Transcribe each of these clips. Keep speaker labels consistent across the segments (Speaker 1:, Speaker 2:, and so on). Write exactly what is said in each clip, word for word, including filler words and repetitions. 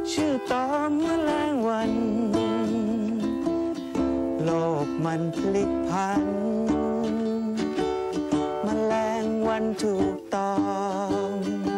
Speaker 1: ชื่อตอมแมลงวันโลกมันพลิกพันแมลงวันถูกตอม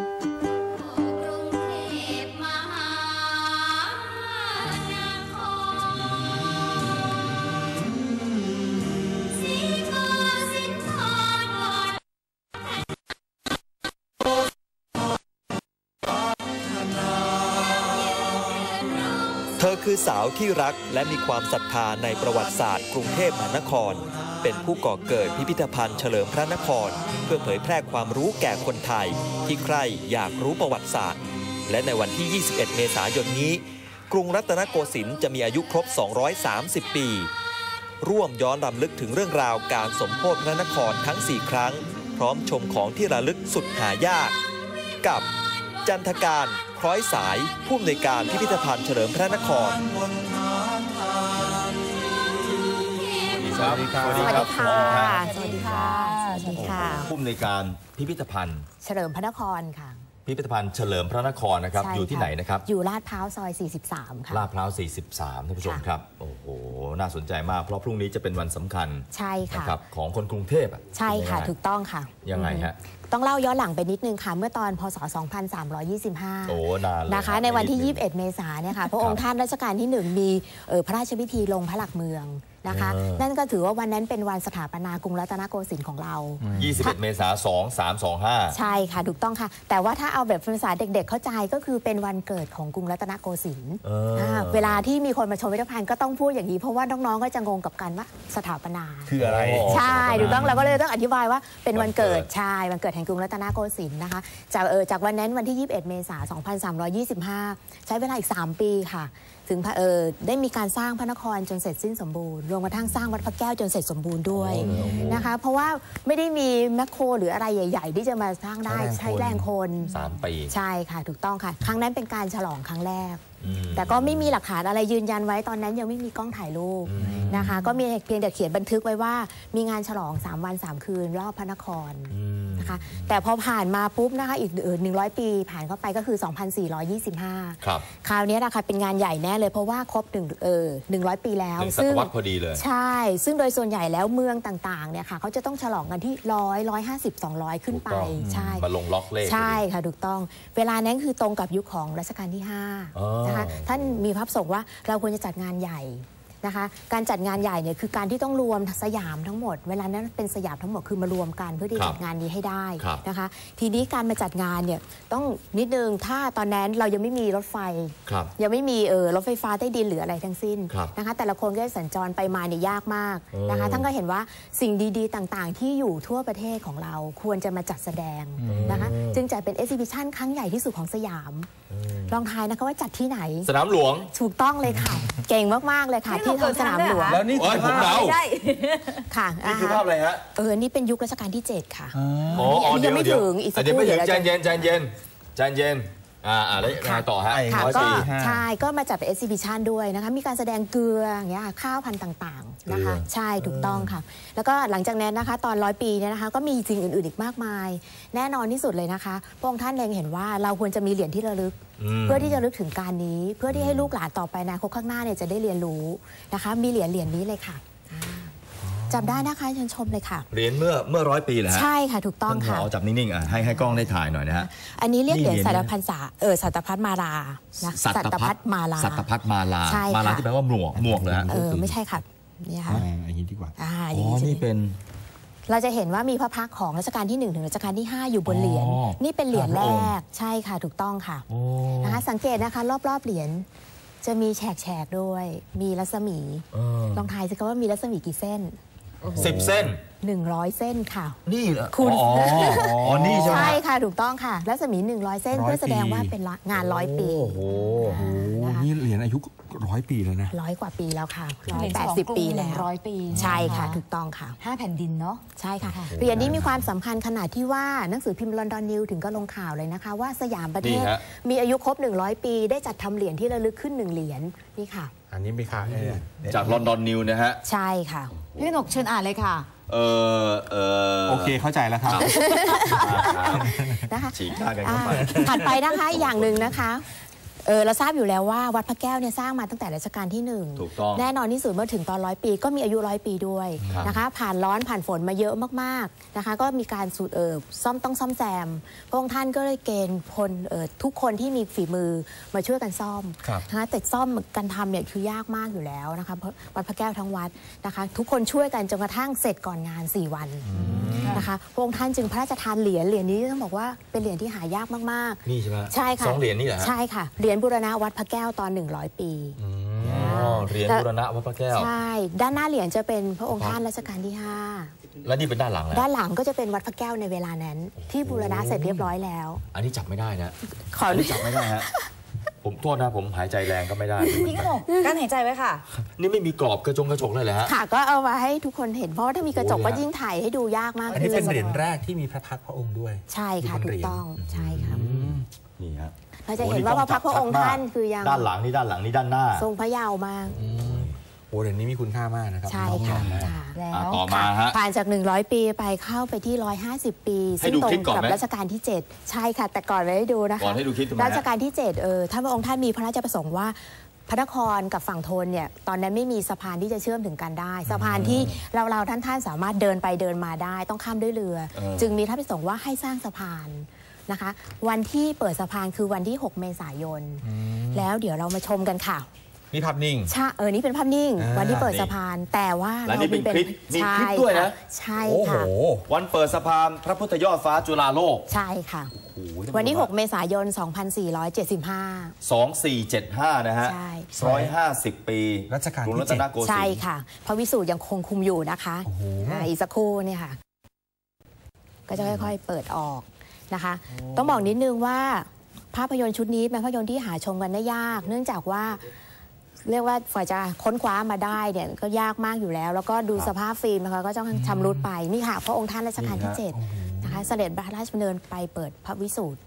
Speaker 2: เธอคือสาวที่รักและมีความศรัทธาในประวัติศาสตร์กรุงเทพมหานครเป็นผู้ก่อเกิดพิพิธภัณฑ์เฉลิมพระนครเพื่อเผยแพร่ความรู้แก่คนไทยที่ใคร่อยากรู้ประวัติศาสตร์และในวันที่ ยี่สิบเอ็ด เมษายนนี้กรุงรัตนโกสินทร์จะมีอายุครบ สองร้อยสามสิบ ปีร่วมย้อนรำลึกถึงเรื่องราวการสมโภชพระนครทั้ง สี่ ครั้งพร้อมชมของที่ระลึกสุดหายากกับจันทการคล้อยสายผู้อำนวยการพิพิธภัณฑ์เฉลิมพระนคร
Speaker 3: สวัสดีครับ
Speaker 4: สวัสดีค่ะสวัสดีค่ะสวัสดีค่ะ
Speaker 3: ผู้อำนวยการพิพิธภัณฑ์
Speaker 4: เฉลิมพระนครค่ะ
Speaker 3: พิพิธภัณฑ์เฉลิมพระนครนะครับอยู่ที่ไหนนะครับ
Speaker 4: อยู่ลาดพร้าวซอยสี่สิบสามค่ะ
Speaker 3: ลาดพร้าวสี่สิบสามท่านผู้ชมครับโอ้โหน่าสนใจมากเพราะพรุ่งนี้จะเป็นวันสำคัญ
Speaker 4: ใช่ค่ะ
Speaker 3: นะครับของคนกรุงเทพ
Speaker 4: ใช่ค่ะถูกต้องค่ะ
Speaker 3: ยังไงฮะ
Speaker 4: ต้องเล่าย้อนหลังไปนิดนึงค่ะเมื่อตอนพ.ศ. สองพันสามร้อยยี่สิบห้า
Speaker 3: โอ้นานเลย
Speaker 4: นะคะในวันที่ยี่สิบเอ็ดเมษายนเนี่ยค่ะพระองค์ท่านรัชกาลที่หนึ่งมีพระราชพิธีลงพระหลักเมืองนะคะนั่นก็ถือว่าวันนั้นเป็นวันสถาปนากรุงรัตนโกสินทร์ของเรา
Speaker 3: ยี่สิบเอ็ดเมษายนสองพันสามร้อยยี่สิบห้า
Speaker 4: ใช่ค่ะถูกต้องค่ะแต่ว่าถ้าเอาแบบภาษาเด็กๆเข้าใจก็คือเป็นวันเกิดของกรุงรัตนโกสินทร์เวลาที่มีคนมาชมพิพิธภัณฑ์ก็ต้องพูดอย่างนี้เพราะว่าน้องๆก็จะงงกับการว่าสถาปนา
Speaker 3: คืออะไร
Speaker 4: ใช่ถูกต้องเราก็เลยต้องอธิบายว่าเป็นวันเกิดใช่วันเกิดแห่งกรุงรัตนโกสินทร์นะคะจากเออจากวันนั้นวันที่ยี่สิบเอ็ดเมษายนสองพันสามร้อยยี่สิบห้าใช้เวลาอีกสามปีค่ะถึงเออได้มีการสร้างพระนครจนเสร็จสิ้นสมบูรณ์รวมกระทั่งสร้างวัดพระแก้วจนเสร็จสมบูรณ์ด้วยนะคะเพราะว่าไม่ได้มีแมคโครหรืออะไรใหญ่ๆที่จะมาสร้างได้ใช้แรงคน
Speaker 3: สามปี
Speaker 4: ใช่ค่ะถูกต้องค่ะครั้งนั้นเป็นการฉลองครั้งแรกแต่ก็ไม่มีหลักฐานอะไรยืนยันไว้ตอนนั้นยังไม่มีกล้องถ่ายรูปนะคะก็มีเพียงแต่เขียนบันทึกไว้ว่ามีงานฉลองสามวันสามคืนรอบพระนครนะคะแต่พอผ่านมาปุ๊บนะคะอีกหนึ่งร้อยปีผ่านเข้าไปก็คือสองพันสี่ร้อยยี่สิบห้า
Speaker 3: ครับ
Speaker 4: คราวนี้นะคะเป็นงานใหญ่แน่เลยเพราะว่าครบหนึ่งเออหนึ่งร้อยปีแล้ว
Speaker 3: ซึ่งศตวรรษพอดีเลย
Speaker 4: ใช่ซึ่งโดยส่วนใหญ่แล้วเมืองต่างๆเนี่ยค่ะเขาจะต้องฉลองกันที่ร้อยร้อยห้าสิบสองร้อยขึ้นไปใช่
Speaker 3: มาลงล็อกเลข
Speaker 4: ใช่ค่ะถูกต้องเวลานั้นคือตรงกับยุคของรัชกาลที่ห้านะคะท่านมีพระประสงค์ว่าเราควรจะจัดงานใหญ่นะคะการจัดงานใหญ่เนี่ยคือการที่ต้องรวมสยามทั้งหมดเวลานั้นเป็นสยามทั้งหมดคือมารวมกันเพื่อที่จัดงานนี้ให้ได้นะคะทีนี้การมาจัดงานเนี่ยต้องนิดนึงถ้าตอนนั้นเรายังไม่มีรถไฟยังไม่มีเออรถไฟฟ้าใต้ดินหรืออะไรทั้งสิ้นนะคะแต่ละคนก็สัญจรไปมาเนี่ยยากมากนะคะท่านก็เห็นว่าสิ่งดีๆต่างๆที่อยู่ทั่วประเทศของเราควรจะมาจัดแสดงนะคะจึงจัดเป็นเอ็กซิบิชันครั้งใหญ่ที่สุดของสยามลองทายนะคะว่าจัดที่ไหน
Speaker 3: สนามหลวง
Speaker 4: ถูกต้องเลยค่ะเก่งมากๆเลยค่ะที่ทางสนามหลวง
Speaker 3: แล้วนี่คือภาพ
Speaker 4: ค่ะ
Speaker 3: นี่คือภาพอะไรฮะ
Speaker 4: เออนี่เป็นยุครัชกาลที่เจ็ดค่ะ
Speaker 3: อ๋อ
Speaker 4: ยังไม่ถึงอีกสักครู่
Speaker 3: เดี๋ยวไม่ถึงใจเย็นใจเย็นใจเย็นอ่าอ่าแล้วไงต่อฮะ
Speaker 4: ค่ะก็ใช่ก็มาจัดเป็นเอ็กซิบิชันด้วยนะคะมีการแสดงเกลืออย่างเงี้ยข้าวพันธุ์ต่างๆนะคะใช่ถูกต้องค่ะแล้วก็หลังจากนั้นนะคะตอนร้อยปีเนี่ยนะคะก็มีสิ่งอื่นๆอีกมากมายแน่นอนที่สุดเลยนะคะพระองค์ท่านเล็งเห็นว่าเราควรจะมีเหรียญที่ระลึกเพื่อที่จะลึกถึงการนี้เพื่อที่ให้ลูกหลานต่อไปในอนาคตข้างหน้าเนี่ยจะได้เรียนรู้นะคะมีเหรียญเหรียญนี้เลยค่ะจำได้นะคะเชิญชมเลยค่ะ
Speaker 3: เหรียญเมื่อเมื่อร้อยปีเหรอฮะ
Speaker 4: ใช่ค่ะถูกต้องค่ะ
Speaker 3: เอาจับนิ่งๆอ่ะให้ให้กล้องได้ถ่ายหน่อยนะฮะ
Speaker 4: อันนี้เรียกเหรียญสัตพันษาเออสัตพัฒมาลานะ
Speaker 3: สัตพัฒมาลาสัตพัฒมาลามาลาที่แปลว่าหมวกหมวกเลยฮะ
Speaker 4: เออไม่ใช่ค่ะนี่ค่ะ
Speaker 3: อย่างนี้ดีกว่า
Speaker 4: อ๋
Speaker 3: อนี่เป็น
Speaker 4: เราจะเห็นว่ามีพระพักตร์ของรัชกาลที่หนึ่งถึงรัชกาลที่ห้าอยู่บนเหรียญนี่เป็นเหรียญแรกใช่ค่ะถูกต้องค่ะนะคะสังเกตนะคะรอบๆเหรียญจะมีแฉกๆด้วยมีรัศมีลองทายสิคะว่ามีรัศมีกี่เส้น
Speaker 3: สิบเส้น
Speaker 4: หนึ่งร้อยเส้นค่ะ
Speaker 3: นี่เหรอ
Speaker 4: คุณ
Speaker 3: อ๋อนี่ใช่ไหม
Speaker 4: ใช่ค่ะถูกต้องค่ะรัศมีหนึ่งร้อยเส้นเพื่อแสดงว่าเป็นงานร้อยปี
Speaker 3: โอ้โห
Speaker 5: นี่เหรียญอายุร้อยปีแล้วนะ
Speaker 4: ร้อยกว่าปีแล้วค่ะร้อยแปดสิบปีแล้ว
Speaker 6: ร้อยปี
Speaker 4: ใช่ค่ะถูกต้องค่ะ
Speaker 6: ห้าแผ่นดินเนาะ
Speaker 4: ใช่ค่ะเหรียญนี้มีความสำคัญขนาดที่ว่าหนังสือพิมพ์ลอนดอนนิวถึงก็ลงข่าวเลยนะคะว่าสยามประเทศมีอายุครบหนึ่งร้อยปีได้จัดทำเหรียญที่ระลึกขึ้นหนึ่งเหรียญนี่ค่ะ
Speaker 5: อันนี้มีค่ะ
Speaker 3: จากลอนดอนนิวนะฮะ
Speaker 4: ใช่ค่ะ
Speaker 6: พี่หนกเชิญอ่านเลยค่ะ
Speaker 3: เออเออ
Speaker 5: โอเคเข้าใจแล้วครับ
Speaker 4: นะคะ
Speaker 3: ฉีกหน้ากันเข้าไป
Speaker 4: ถัดไปนะคะอย่างหนึ่งนะคะเออเราทราบอยู่แล้วว่าวัดพระแก้วเนี่ยสร้างมาตั้งแต่รัชกาลที่หนึ่ง
Speaker 3: ถูกต้อง
Speaker 4: แน่นอนที่สุดเมื่อถึงตอนร้อยปีก็มีอายุร้อยปีด้วยนะคะผ่านร้อนผ่านฝนมาเยอะมากๆนะคะก็มีการสูตรเออซ่อมต้องซ่อมแซมพระองค์ท่านก็เลยเกณฑ์พลเออทุกคนที่มีฝีมือมาช่วยกันซ่อมนะคะแต่ซ่อมกันทำเนี่ยคือยากมากอยู่แล้วนะคะวัดพระแก้วทั้งวัดนะคะทุกคนช่วยกันจนกระทั่งเสร็จก่อนงานสี่วันนะคะพระองค์ท่านจึงพระราชทานเหรียญเหรียญนี้ต้องบอกว่าเป็นเหรียญที่หายากมากๆ
Speaker 3: นี่ใช่ไหม
Speaker 4: ใช่ค่ะ
Speaker 3: สองเหรียญนี่เหรอฮะ
Speaker 4: ใช่ค่ะเหรียญบูรณะวัดพระแก้วตอนหนึ่งร้อยปี
Speaker 3: อ๋อเหรียญบูรณะวัดพระแก้ว
Speaker 4: ใช่ด้านหน้าเหรียญจะเป็นพระองค์ท่านรัชกาลที่ห้า
Speaker 3: แล้วนี่เป็นด้านหลังนะ
Speaker 4: ด้านหลังก็จะเป็นวัดพระแก้วในเวลานั้นที่บูรณะเสร็จเรียบร้อยแล้ว
Speaker 3: อันนี้จับไม่ได้นะ
Speaker 4: ขอ
Speaker 3: อันนี้จับไม่ได้ฮะผมโทษนะผมหายใจแรงก็ไม่ได้
Speaker 6: พี่ก็บอกกั้นหายใจไว้ค่ะ
Speaker 3: นี่ไม่มีกรอบกระจงกระจกเลยเหรอฮะ
Speaker 4: ค่ะก็เอามาให้ทุกคนเห็นเพราะว่าถ้ามีกระจกก็ยิ่งถ่ายให้ดูยากมาก
Speaker 5: อันนี้เป็นเหรียญแรกที่มีพระพักตร์พระองค์ด้วย
Speaker 4: ใช่ค่ะถูกต้องใช่ค่ะ
Speaker 3: นี่ฮะ
Speaker 4: เราจะเห็นว่าพระพักตร์พระองค์ท่านคือยัง
Speaker 3: ด้านหลังนี่ด้านหลังนี่ด้านหน้า
Speaker 4: ทรงพระเยาว์มาก
Speaker 5: โอ้เหรียญนี้มีคุณค่ามากนะครับ
Speaker 4: ใช่ค่ะ
Speaker 3: แล้วต่อมาฮะ
Speaker 4: ผ่านจากหนึ่งร้อยปีไปเข้าไปที่หนึ่งร้อยห้าสิบปีซึ่งตรงกับรัชกาลที่เจ็ดใช่ค่ะแต่ก่อนไว้ให้ดูนะคะ
Speaker 3: ก่อนให้ดูคลิป
Speaker 4: รัชกาลที่เจ็ดเออท่านพระองค์ท่านมีพระราชประสงค์ว่าพระนครกับฝั่งธนเนี่ยตอนนั้นไม่มีสะพานที่จะเชื่อมถึงกันได้สะพานที่เราเราท่านท่านสามารถเดินไปเดินมาได้ต้องข้ามด้วยเรือจึงมีพระราชประสงค์ว่าให้สร้างสะพานนะคะวันที่เปิดสะพานคือวันที่หกเมษายนแล้วเดี๋ยวเรามาชมกันค่ะ
Speaker 5: นี่ภาพนิ่ง
Speaker 4: ใช่เออนี่เป็นภาพนิ่งวันที่เปิดสะพานแต่ว่า
Speaker 3: เราเป็นคลิปมีคลิปด้วยนะ
Speaker 4: ใช่ค่ะ
Speaker 3: วันเปิดสะพานพระพุทธยอดฟ้าจุฬาโลก
Speaker 4: ใช่ค่ะวันที่หกเมษายนสองพันสี่ร้อยเจ็ดสิบห้า
Speaker 3: สองพันสี่ร้อยเจ็ดสิบห้านะฮะหนึ่งร้อยห้าสิบปี
Speaker 5: รัชกาลที่
Speaker 3: เจ็ด
Speaker 4: ใช่ค่ะพระวิสูตรยังคงคุมอยู่นะคะอีกสักครู่เนี่ยค่ะก็จะค่อยๆเปิดออกนะคะต้องบอกนิดนึงว่าภาพยนตร์ชุดนี้เป็นภาพยนตร์ที่หาชมกันได้ยากเนื่องจากว่าเรียกว่าฝ่ายจะค้นคว้ามาได้เนี่ยก็ยากมากอยู่แล้วแล้วก็ดูสภาพฟิล์มนะคะก็ต้องชำรุดไปนี่ค่ะพระองค์ท่านรัชกาลที่เจ็ดนะคะเสด็จพระราชดำเนินไปเปิดพระวิสูตร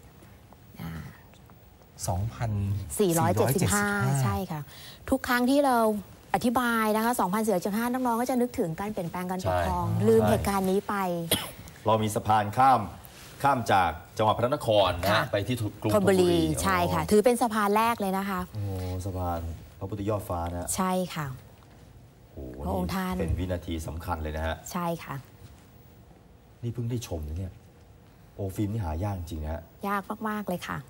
Speaker 5: สองพัน
Speaker 4: สี่ร้อยเจ็ดสิบห้าใช่ค่ะทุกครั้งที่เราอธิบายนะคะสองพันสี่ร้อยเจ็ดสิบห้าน้องๆก็จะนึกถึงการเปลี่ยนแปลงการปกครองลืมเหตุการณ์นี้ไป
Speaker 3: เรามีสะพานข้ามข้ามจากจังหวัดพระนครนะไปที่กรุงธนบุรี
Speaker 4: ใช่ค่ะถือเป็นสะพานแรกเลยนะคะ
Speaker 3: โอ้สะพานพระพุทธยอดฟ้านะ
Speaker 4: ใช่ค่ะพระองค์ท่าน
Speaker 3: เป็นวินาทีสำคัญเลยนะฮะ
Speaker 4: ใช่ค่ะ
Speaker 3: นี่เพิ่งได้ชมนะเนี่ยโอ้ฟิล์มนี่หายากจริงนะฮะ
Speaker 4: ยากมากๆเลยค่ะ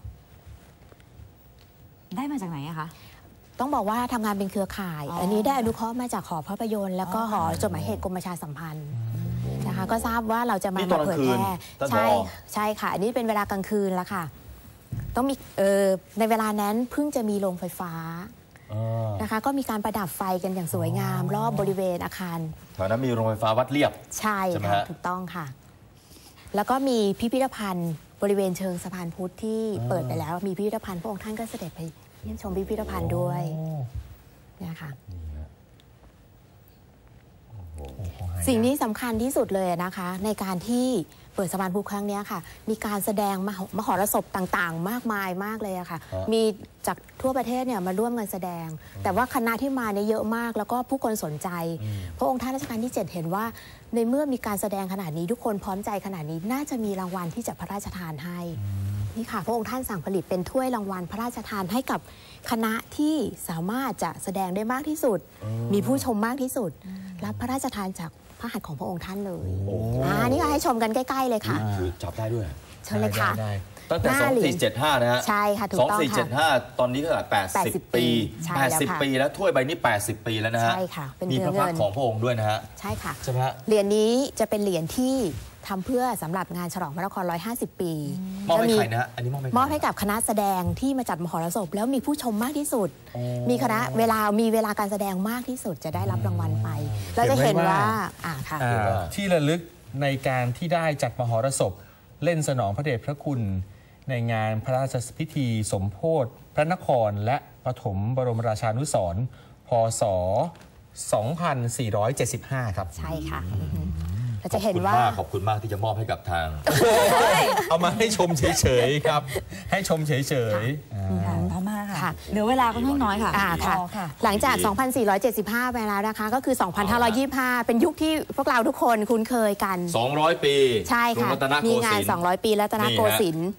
Speaker 6: ได้มาจากไหนอะคะ
Speaker 4: ต้องบอกว่าทำงานเป็นเครือข่ายอันนี้ได้อนุเคราะห์มาจากหอภาพยนตร์แล้วก็หอจดหมายเหตุกรมประชาสัมพันธ์นะคะก็ทราบว่าเราจะมาเผยแพร่ใช่ใช่ค่ะอันนี้เป็นเวลากลางคืนแล้วค่ะต้องมีเออในเวลานั้นเพิ่งจะมีโรงไฟฟ้านะคะก็มีการประดับไฟกันอย่างสวยงามรอบบริเวณอาคาร
Speaker 3: แถวนั้นมีโรงไฟฟ้าวัดเรียบ
Speaker 4: ใช่ค่ะถูกต้องค่ะแล้วก็มีพิพิธภัณฑ์บริเวณเชิงสะพานพุทธที่เปิดไปแล้วมีพิพิธภัณฑ์พระองค์ท่านก็เสด็จไปเยี่ยมชมพิพิธภัณฑ์ด้วยเนี่ยค่ะสิ่งนี้สำคัญที่สุดเลยนะคะในการที่เปิดสะพานพุทธครั้งนี้ค่ะมีการแสดงมหรสพต่างๆมากมายมากเลยค่ะมีจากทั่วประเทศเนี่ยมาร่วมกันแสดงแต่ว่าคณะที่มาเนี่ยเยอะมากแล้วก็ผู้คนสนใจพระองค์ท่านรัชกาลที่เจ็ดเห็นว่าในเมื่อมีการแสดงขนาดนี้ทุกคนพร้อมใจขนาดนี้น่าจะมีรางวัลที่จะพระราชทานให้นี่ค่ะพระองค์ท่านสั่งผลิตเป็นถ้วยรางวัลพระราชทานให้กับคณะที่สามารถจะแสดงได้มากที่สุดมีผู้ชมมากที่สุดรับพระราชทานจากพระหัตถ์ของพระองค์ท่านเลยอ่านี่ก็ให้ชมกันใกล้ๆเลยค่ะ
Speaker 3: คือจับได้ด้วย
Speaker 4: เชิญเลยค่ะ
Speaker 3: ตั้งแต่สองพันสี่ร้อยเจ็ดสิบห้านะฮะ
Speaker 4: ใช่ค่ะถูกต้องค่ะ
Speaker 3: สองพันสี่ร้อยเจ็ดสิบห้าตอนนี้ก็แปดสิบปีแปดสิบปีแล้วถ้วยใบนี้แปดสิบปีแล้วนะฮะ
Speaker 4: ใช่ค่ะเป็น
Speaker 3: มีพระพักตร์ของพระองค์ด้วยนะฮะ
Speaker 4: ใช่ค่ะ
Speaker 3: ใช่ไหมฮะ
Speaker 4: เหรียญนี้จะเป็นเหรียญที่ทำเพื่อสำหรับงานฉลองพระนครหนึ่งร้อยห้าสิบปี
Speaker 3: มอบให้ใครนะอันนี้มอบให้
Speaker 4: มอบให้กับคณะแสดงที่มาจัดมหรสพแล้วมีผู้ชมมากที่สุดมีคณะเวลามีเวลาการแสดงมากที่สุดจะได้รับรางวัลไปเราจะเห็นว่าอ่าค่ะ
Speaker 5: ที่ระลึกในการที่ได้จัดมหรสพเล่นสนองพระเดชพระคุณในงานพระราชพิธีสมโภชพระนครและปฐมบรมราชานุสรณ์พ.ศ. สองพันสี่ร้อยเจ็ดสิบห้าครับ
Speaker 4: ใช่ค่ะเราจะเห็นว่า
Speaker 3: ขอบคุณมากที่จะมอบให้กับทาง
Speaker 5: เอามาให้ชมเฉยๆครับให้ชมเฉย
Speaker 6: ๆพอมาค่ะเหลือเวลาก็น้อยๆค่ะ
Speaker 4: หลังจาก สองพันสี่ร้อยเจ็ดสิบห้า ไปแล้วนะคะก็คือ สองพันห้าร้อยยี่สิบห้า เป็นยุคที่พวกเราทุกคนคุ้นเคยกัน
Speaker 3: สองร้อยปี
Speaker 4: ใช่ค่ะมีงานสองร้อยปีรัตนโกสินทร์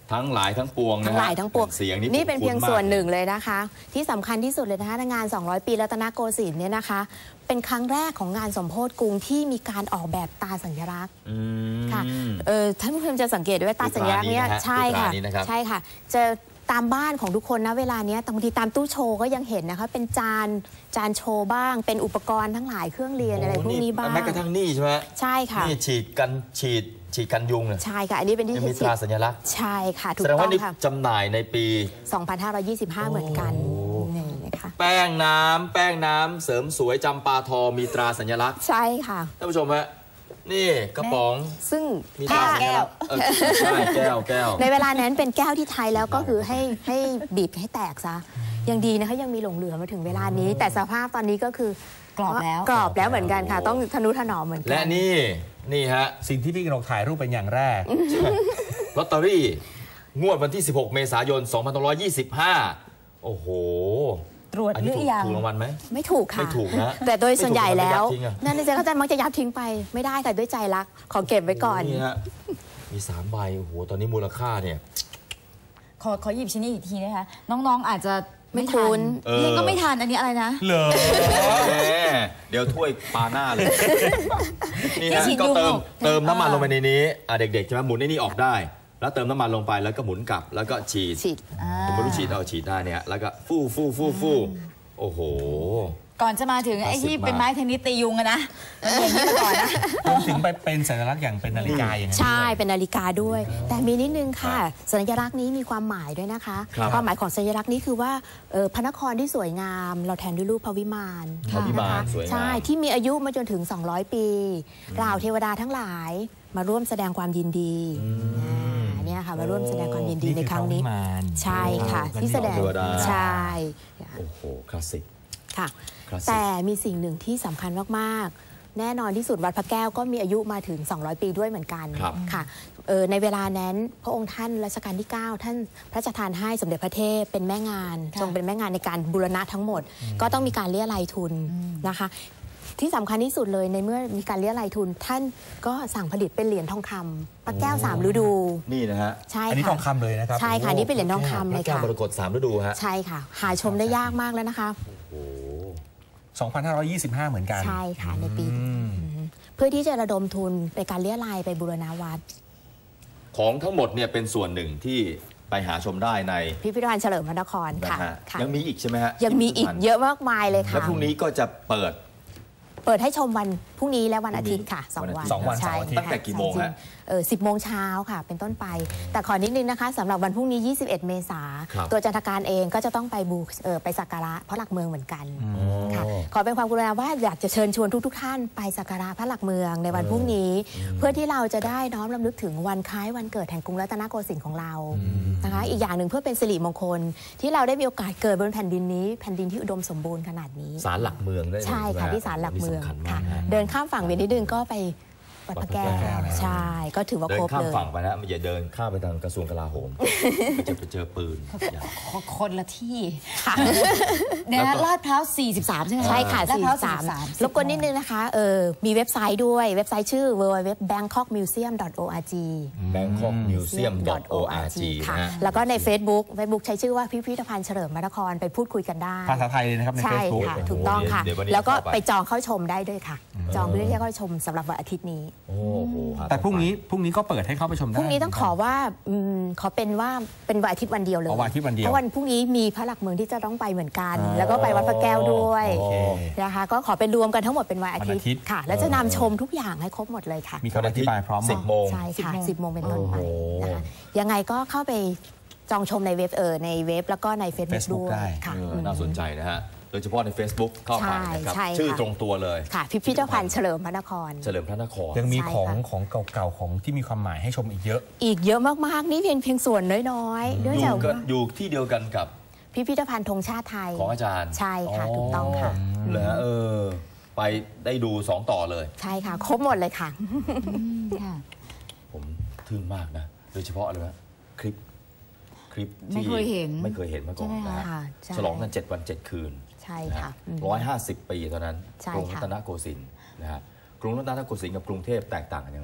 Speaker 3: ทั้งหลายทั้งปวงนะ
Speaker 4: ทั้งหลายทั้งปวง
Speaker 3: เสียงนี่
Speaker 4: นี่เป็นเพียง
Speaker 3: คุ้ๆ
Speaker 4: ส่วน
Speaker 3: มาก
Speaker 4: หนึ่งเลยนะคะ ที่สำคัญที่สุดเลยนะคะงาน สองร้อย ปีรัตนโกสินทร์เนี่ยนะคะ เป็นครั้งแรกของงานสมโภชกรุงที่มีการออกแบบตาสัญลักษณ์
Speaker 3: อืม
Speaker 4: ค่ะเออท่านผู้ชมจะสังเกตด้วยว่าตาสัญลักษณ์เนี้ย
Speaker 3: คือตรานี้นะฮะ
Speaker 4: ใช่ค่ะ
Speaker 3: คือตรานี้นะครับ
Speaker 4: ใช่ค่ะจะตามบ้านของทุกคนนะเวลาเนี้ยบางทีตามตู้โชว์ก็ยังเห็นนะคะเป็นจานจานโชว์บ้าง เป็นอุปกรณ์ทั้งหลายเครื่องเรียนอะไรพวกนี้บ้าง
Speaker 3: แม้กระทั่งนี่ใช่ไหม
Speaker 4: ใช่ค่ะ
Speaker 3: นี่ฉีดกันฉีดฉีดกันยุงเนี่ย
Speaker 4: ใช่ค่ะอันนี้เป็นที่
Speaker 3: ยังมีตราสัญลักษณ์
Speaker 4: ใช่ค่ะถูก
Speaker 3: แสดง
Speaker 4: ต้อ
Speaker 3: ว่าง นี่
Speaker 4: ค่ะ
Speaker 3: จำหน่ายในปี
Speaker 4: สองพันห้าร้อยยี่สิบห้า เหมือนกันนี่นะคะ
Speaker 3: แป้งน้ำแป้งน้ำเสริมสวยจำปาทอมีตราสัญลักษณ์
Speaker 4: ใช่ค่ะ
Speaker 3: ท่านผู้ชมฮะนี่กระป๋อง
Speaker 4: ซึ่ง
Speaker 3: มีต
Speaker 4: ถ้า
Speaker 3: ราสัญลักษณ์เออใช่แก้วแก้ว
Speaker 4: ในเวลานั้นเป็นแก้วที่ไทยแล้วก็คือให้ให้บีบให้แตกซะยังดีนะคะยังมีหลงเหลือมาถึงเวลานี้ แต่สภาพตอนนี้ก็คือก
Speaker 6: รอบแล้ว
Speaker 4: กรอบแล้วเหมือนกันค่ะ ต้องทนุถนอมเหมือนกั
Speaker 3: และนี่นี่ฮะ
Speaker 5: สิ่งที่พี่กนกถ่ายรูปเป็นอย่างแรก
Speaker 3: ลอตเตอรี่งวดวันที่ สิบหก เมษายน สองพันห้าร้อยยี่สิบห้า โอ้โห
Speaker 6: ตรวจ
Speaker 3: อัน
Speaker 6: ห
Speaker 3: นี้
Speaker 6: รื
Speaker 3: ถู
Speaker 6: อก ยัง
Speaker 3: ถูกรางวัลไหม
Speaker 4: ไม่ถูกค่ะ
Speaker 3: ไม่ถูกนะ
Speaker 4: แต่โดยส่วนใหญ่แล้ว
Speaker 3: ไม่ถูกทำไมยัดทิ้งอะ
Speaker 4: นั่นจะเขาจะมักจะยับทิ้งไปไม่ได้ค่ะด้วยใจรักขอเก็บไว้ก่อน
Speaker 3: นี่ฮะมีสามใบโอ้โหตอนนี้มูลค่าเนี่ย
Speaker 6: ขอขอหยิบชิ้นนี้อีกทีนะคะน้องๆอาจจะ
Speaker 4: ไม่
Speaker 6: ไม่
Speaker 4: คุ้
Speaker 6: ทัน
Speaker 4: น
Speaker 3: เออ
Speaker 6: นี่ก็ไม่ทันอันนี้อะไรนะ
Speaker 5: เหรอ
Speaker 3: แหมเดี๋ยวถ้วยปลาหน้าเลย นี่
Speaker 6: ที่
Speaker 3: ฮะ
Speaker 6: ฉีด
Speaker 3: ก็เติม
Speaker 6: ยุง
Speaker 3: เติมน้ำมันลงไปในนี้อ่ะเด็กๆใช่ไหมหมุนในนี้ออกได้ แล้วเติมน้ำมันลงไปแล้วก็หมุนกลับแล้วก็ฉีด
Speaker 4: ฉีด
Speaker 3: ผมไม่รู้ฉีดเอาฉีดได้เนี่ยแล้วก็ฟู่ฟู่ฟู่ฟู่โอ้โห
Speaker 6: ก่อนจะมาถึงไอ้ที่
Speaker 3: คลาสสิกมาก
Speaker 6: เป็นไม้เทนนิสตียุงอะนะมันอย่างนี้มาก่อนนะ
Speaker 5: รวมถึงไปเป็นสัญลักษณ์อย่างเป็นนาฬิกาอย่างนั้น
Speaker 4: ใช่
Speaker 5: ด้วย
Speaker 4: เป็นนาฬิกาด้วย แต่มีนิดนึงค่ะ สัญลักษณ์นี้มีความหมายด้วยนะคะ
Speaker 3: ครับ
Speaker 4: ความหมายของสัญลักษณ์นี้คือว่าเอ่อพระนครที่สวยงาม เราแทนด้วยรูปพระวิมาน
Speaker 3: พระวิมาน
Speaker 4: นะคะ
Speaker 3: สวยงาม
Speaker 4: ใช่ที่มีอายุมาจนถึง สองร้อย ปีเหล่าเทวดาทั้งหลายมาร่วมแสดงความยินดีอ่าเนี่ยค่ะมาร่วมแสดงความยินดีในครั้งนี้
Speaker 5: นี่คือพระวิมาน
Speaker 4: ใช่ค่ะ ที่แสดง
Speaker 3: เทวดา
Speaker 4: ใช่
Speaker 3: โอ้โหคลาสสิก
Speaker 4: ค่ะ
Speaker 3: คลาสสิก
Speaker 4: แต่มีสิ่งหนึ่งที่สำคัญมากๆ แน่นอนที่สุดวัดพระแก้วก็มีอายุมาถึง สองร้อย ปีด้วยเหมือนกัน
Speaker 3: ครับ
Speaker 4: ค่ะเอ่อในเวลานั้นพระองค์ท่านรัชกาลที่ เก้า ท่านพระราชทานให้สมเด็จพระเทพเป็นแม่งาน
Speaker 6: ค่ะ
Speaker 4: ทรงเป็นแม่งานในการบูรณะทั้งหมด ก็ต้องมีการเรียรายทุนนะคะ ที่สำคัญที่สุดเลยในเมื่อมีการเรียรายทุน ท่านก็สั่งผลิตเป็นเหรียญทองคำพระแก้วสามฤดู
Speaker 3: นี่นะฮะ
Speaker 4: ใช่
Speaker 5: อันนี้
Speaker 4: ค่ะ
Speaker 5: ทองคำเลยนะครับ
Speaker 4: ใช่ค่ะนี่เป็นเหรียญทองคำ
Speaker 3: พ
Speaker 4: เล
Speaker 3: ระ
Speaker 4: ย
Speaker 3: แก้ว
Speaker 4: ค่ะ
Speaker 3: มรกตสามฤดูฮะ
Speaker 4: ใช่ค่ะ หาชมได้ยากมากแล้วนะคะ
Speaker 3: โอ้โห
Speaker 5: สองพันห้าร้อยยี่สิบห้า เหมือนกัน
Speaker 4: ใช่ค่ะในปี
Speaker 5: อืม
Speaker 4: เพื่อที่จะระดมทุนในการเรียรายไปบูรณาวัด
Speaker 3: ของทั้งหมดเนี่ยเป็นส่วนหนึ่งที่ไปหาชมได้ใน
Speaker 4: พิพิธภัณฑ์เฉลิมพระนคร
Speaker 3: นะ
Speaker 4: ค่ะ
Speaker 3: ฮะ
Speaker 4: ค่ะ
Speaker 3: ยังมีอีกใช่ไหมฮะ
Speaker 4: ยังมีอีกเยอะมากมายเลย
Speaker 3: แล้
Speaker 4: ค่ะ
Speaker 3: วพรุ่งนี้ก็จะเปิด
Speaker 4: เปิดให้ชมวันพรุ่งนี้และวันอาทิตย์ค่ะสอง
Speaker 3: วัน
Speaker 4: วั
Speaker 3: อาน ทิตย์
Speaker 5: สองวัน
Speaker 4: ใช่
Speaker 5: เสาร์อาทิตย์
Speaker 3: ตั้งแต่กี่โมงฮะ
Speaker 4: เออสิบโมงเช้าค่ะ เป็นต้นไป แต่ขอนิดนึงนะคะสำหรับวันพรุ่งนี้ ยี่สิบเอ็ด เมษา
Speaker 3: ครับ
Speaker 4: ตัวจันทการเองก็จะต้องไปบูเออไปสักการะพระหลักเมืองเหมือนกันค่ะ ขอเป็นความกรุณาว่าอยากจะเชิญชวนทุกๆทท่านไปสักการะพระหลักเมืองในวันพรุ่งนี้ เพื่อที่เราจะได้น้อมรำลึกถึงวันคล้ายวันเกิดแห่งกรุงรัตนโกสินทร์ของเรานะคะ อีกอย่างหนึ่งเพื่อเป็นสิริมงคล ที่เราได้มีโอกาสเกิดบนแผ่นดินนี้แผ่นดินที่อุดมสมบูรณ์ขนาดนี้
Speaker 3: ศาลหลักเมืองได้เลย
Speaker 4: ใช่ค่ะ
Speaker 3: ไหมฮ
Speaker 4: ที่ศาลหลักเมือง
Speaker 3: นี่สำคัญ
Speaker 4: ค่ะ
Speaker 3: มากฮะ
Speaker 4: เดินข้ามฝั่งไปนิดนึงก็ไปวัดพระแก้ว
Speaker 3: วัดพระแก้ว
Speaker 4: ใช่ก็ถือว่า
Speaker 3: เดิ
Speaker 4: คร
Speaker 3: น
Speaker 4: บ
Speaker 3: ข้าม
Speaker 4: เลย
Speaker 3: ฝั่งไปนะมันอย่าเดินข้ามไปทางกระทรวงกลาโหมมันจะไปเจอปืนอย่า
Speaker 6: คนละที่เนี่ยนะลาดพร้าวสี่สิบสามใช่ไหม
Speaker 4: ใช่ค่ะ
Speaker 6: ลาดพร้าว
Speaker 4: สี่
Speaker 6: สี่
Speaker 4: สิ
Speaker 6: สิ
Speaker 4: บบ สา
Speaker 6: สาม ม
Speaker 4: รบกวนนิดนึงนะคะเออมีเว็บไซต์ด้วยเว็บไซต์ชื่อ ดับเบิลยู ดับเบิลยู ดับเบิลยู ดอท แบงคอกมิวเซียม ดอท โอ อาร์ จี
Speaker 3: แบงคอกมิวเซียม ดอท โอ อาร์ จี
Speaker 4: ค่ะ
Speaker 3: นะฮะ
Speaker 4: แล้วก็ใน Facebook Facebook ใช้ชื่อว่าพิพิธภัณฑ์เฉลิมพระนครไปพูดคุยกันได้
Speaker 5: ภาษาไทยเลยนะครับใน
Speaker 4: ใช่
Speaker 5: Facebook
Speaker 4: ค่ะ
Speaker 3: โอ้โห
Speaker 4: ถูกต้องค่ะ
Speaker 3: เดี๋ยววันนี้
Speaker 4: แล้วก็
Speaker 3: เข้าไป
Speaker 4: ไปจองเข้าชมได้ด้วยค่ะ จองเพื่อที่จะเข้าชมสำหรับวันอาทิตย์นี้
Speaker 3: โอ้โหหา
Speaker 5: แต่พรุ่งนี้พรุ่งนี้ก็เปิดให้เข้าไปชมได้
Speaker 4: พรุ่งนี้ต้องขอว่าอืมขอเป็นว่าเป็นวันอาทิตย์วันเดียวเลย
Speaker 5: อ๋อวันอาทิตย์วันเดียว
Speaker 4: เพราะวันพรุ่งนี้มีพระหลักเมืองที่จะต้องไปเหมือนกัน แล้วก็ไปวัดพระแก้วด้วย
Speaker 5: โอเค
Speaker 4: นะคะก็ขอเป็นรวมกันทั้งหมดเป็นวันอาทิต
Speaker 5: วันอาทิต
Speaker 4: ย์
Speaker 5: ย์
Speaker 4: ค่ะ แล้วจะนำชมทุกอย่างให้ครบหมดเลยค่ะ
Speaker 5: มีคำอธิบายพร้อมหม
Speaker 3: สิ
Speaker 5: ด
Speaker 3: บโมง
Speaker 4: ใช่ค่ะสิบโมงเป็นต้นไป
Speaker 3: โอ้โห
Speaker 4: นะคะยังไงก็เข้าไปจองชมในเว็บเออในเว็บแล้วก็ใน Facebook
Speaker 5: Facebook
Speaker 4: ด้วย
Speaker 5: ได้
Speaker 4: ค่ะ
Speaker 3: เออน่าสนใจนะฮะ โดยเฉพาะใน Facebook เข้าไปนะครับ
Speaker 4: ใช่ใช่ค่ะ
Speaker 3: ชื่อตรงตัวเลย
Speaker 4: ค่ะ พิพิธภัณฑ์เฉลิมพระนคร
Speaker 3: เฉลิมพระนคร
Speaker 5: ยังมี
Speaker 4: ใช่
Speaker 5: ของ
Speaker 4: ค่ะ
Speaker 5: ของเก่าๆของที่มีความหมายให้ชมอีกเยอะ
Speaker 4: อีกเยอะมากๆนี่เพียงเพียงส่วนน้อยๆเนื่อง
Speaker 3: อ
Speaker 4: จาก
Speaker 3: ยู่กัน
Speaker 4: ว่า
Speaker 3: อยู่ที่เดียวกันกับ
Speaker 4: พิพิธภัณฑ์ธงชาติไทย
Speaker 3: ของอาจารย์
Speaker 4: ใช่ค่ะถูกต้องค่ะ
Speaker 3: เหรอเออ ไปได้ดูสองต่อเลย
Speaker 4: ใช่ค่ะ ครบหมดเลยค่ะ
Speaker 6: ค่ะ
Speaker 3: ผมทึ่งมากนะ โดยเฉพาะอะไรนะคลิป คลิป
Speaker 6: ไม่
Speaker 3: ที่
Speaker 6: เคยเห็น
Speaker 3: ไม่เคยเห็นมาก่อน
Speaker 6: ใช่ไหม
Speaker 3: นะ
Speaker 6: คะ
Speaker 3: ฮะ
Speaker 4: ค่ะใช่
Speaker 3: ฉลองกันเจ็ดวันเจ็ดคืน
Speaker 4: ใช่ค่ะอืม
Speaker 3: ร้อยห้าสิบปีตอนนั้น
Speaker 4: ใช่
Speaker 3: กรุงรั
Speaker 4: ค่ะ
Speaker 3: ตนโกสินทร์นะฮะกรุงรัตนโกสินทร์กับกรุงเทพแตกต่างกันยังไง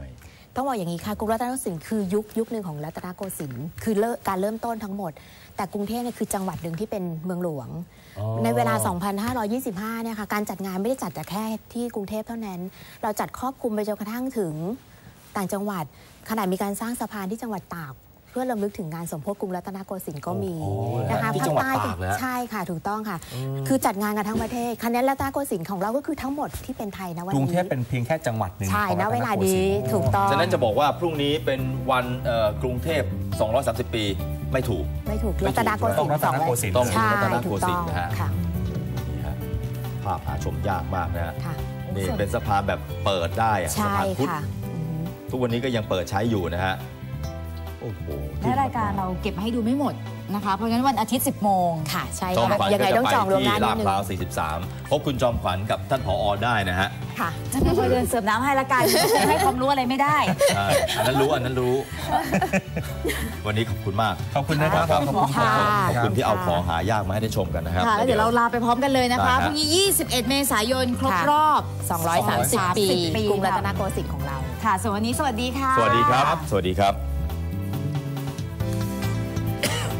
Speaker 4: ต้องบอกอย่างนี้ค่ะกรุงรัตนโกสินทร์คือยุคยุคหนึ่งของรัตนโกสินทร์คือเริ่มการเริ่มต้นทั้งหมด แต่กรุงเทพเนี่ยคือจังหวัดหนึ่งที่เป็นเมืองหลวงในเวลา สองพันห้าร้อยยี่สิบห้า เนี่ยค่ะการจัดงานไม่ได้จัดแต่แค่ที่กรุงเทพเท่านั้นเราจัดครอบคลุมไปจนกระทั่งถึงต่างจังหวัดขณะมีการสร้างสะพานที่จังหวัดตากเพื่อรำลึกถึงงานสมโภชกรุงรัตนโกสินทร์ก็มีนะคะ
Speaker 3: ที่
Speaker 4: ภา
Speaker 3: จั
Speaker 4: ค
Speaker 3: งหวัด
Speaker 4: ใต้
Speaker 3: ตากนะ
Speaker 4: ใช่ค่ะถูกต้องค่ะ คือจัดงานกันทั้งประเทศคะแนนรัตนโกสินทร์ของเราก็คือทั้งหมดที่เป็นไทยนะวัน
Speaker 5: ก
Speaker 4: นี้
Speaker 5: รุงเทพเป็นเพียงแค่จังหวัดหนึ่ง
Speaker 4: ใช่
Speaker 5: ของ
Speaker 4: นะ
Speaker 5: รัต
Speaker 4: เวลา
Speaker 5: โกสิ
Speaker 4: นี้
Speaker 5: นทร์
Speaker 4: ถูกต้อง
Speaker 3: ฉะนั้นจะบอกว่าพรุ่งนี้เป็นวันเอ่อกรุงเทพสองร้อยสามสิบปีไม่ถูก
Speaker 4: ไม่ถูก
Speaker 3: ไม่ถูก
Speaker 4: รัตนโกสิ
Speaker 5: ต้อน ง
Speaker 4: ท
Speaker 5: รั
Speaker 4: ร์
Speaker 5: ตนโกสินทร์
Speaker 3: ต้อง
Speaker 4: ใช่
Speaker 3: รัตน
Speaker 4: ถู
Speaker 3: โก
Speaker 4: ก
Speaker 3: สิ
Speaker 4: ต้
Speaker 3: น
Speaker 4: อง
Speaker 3: ทร์นะฮะ
Speaker 4: ค่ะ
Speaker 3: นี่ฮะภาพหาชมยากมากนะฮะ
Speaker 4: ค่ะ
Speaker 3: นี่เป็นสะพานแบบเปิดได้อะสะ
Speaker 4: ใช่
Speaker 3: พานพุทธ
Speaker 4: ค่ะอือหือ
Speaker 3: ทุกวันนี้ก็ยังเปิดใช้อยู่นะฮะโอ้โห
Speaker 6: และรายการเราเก็บมาให้ดูไม่หมดนะคะ เพราะฉะนั้นวันอาทิตย์ สิบโมง
Speaker 4: ค่ะใช่
Speaker 3: จอม
Speaker 4: ค่ะ
Speaker 3: ขวัญ
Speaker 4: ยังไง
Speaker 3: ก็จะ
Speaker 4: ต้อง
Speaker 3: ไป
Speaker 4: จองล่วงห
Speaker 3: ที่
Speaker 4: น้านิ
Speaker 3: ลา
Speaker 4: ด
Speaker 3: ด
Speaker 4: นึง
Speaker 3: พร้าวสี่สิบสามพบคุณจอมขวัญกับท่านผอได้นะฮะ
Speaker 4: ค่ะ
Speaker 6: จะมาคอยเดินเสิร์ฟน้ำให้ละกันให้ความรู้อะไรไม่ได้
Speaker 3: ใช่อันนั้นรู้อันนั้นรู้ วันนี้ขอบคุณมาก
Speaker 5: ขอบคุณนะครับ
Speaker 3: ครับ
Speaker 5: ขอบคุณ
Speaker 4: ค่ะ
Speaker 3: ขอบคุณที่เอาของหายากมาให้ได้ชมกันนะครับ
Speaker 6: ค่ะ แล้วเดี๋ยวเราลาไปพร้อมกันเลยนะคะ
Speaker 3: ได้ฮะ
Speaker 6: พรุ่งนี้ ยี่สิบเอ็ด เมษายน ครบ
Speaker 4: ค่ะ
Speaker 6: รอบ
Speaker 4: สองร้อยสามสิบ ปี
Speaker 6: ปี
Speaker 4: กรุงรัตนโกสินทร์ของเรา
Speaker 6: ค่ะส่วนวันนี้สวัสดีค่ะ
Speaker 3: สวัสดีครับ สวัสดีครับ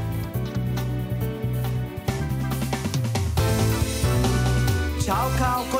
Speaker 1: เช้าข่าวคน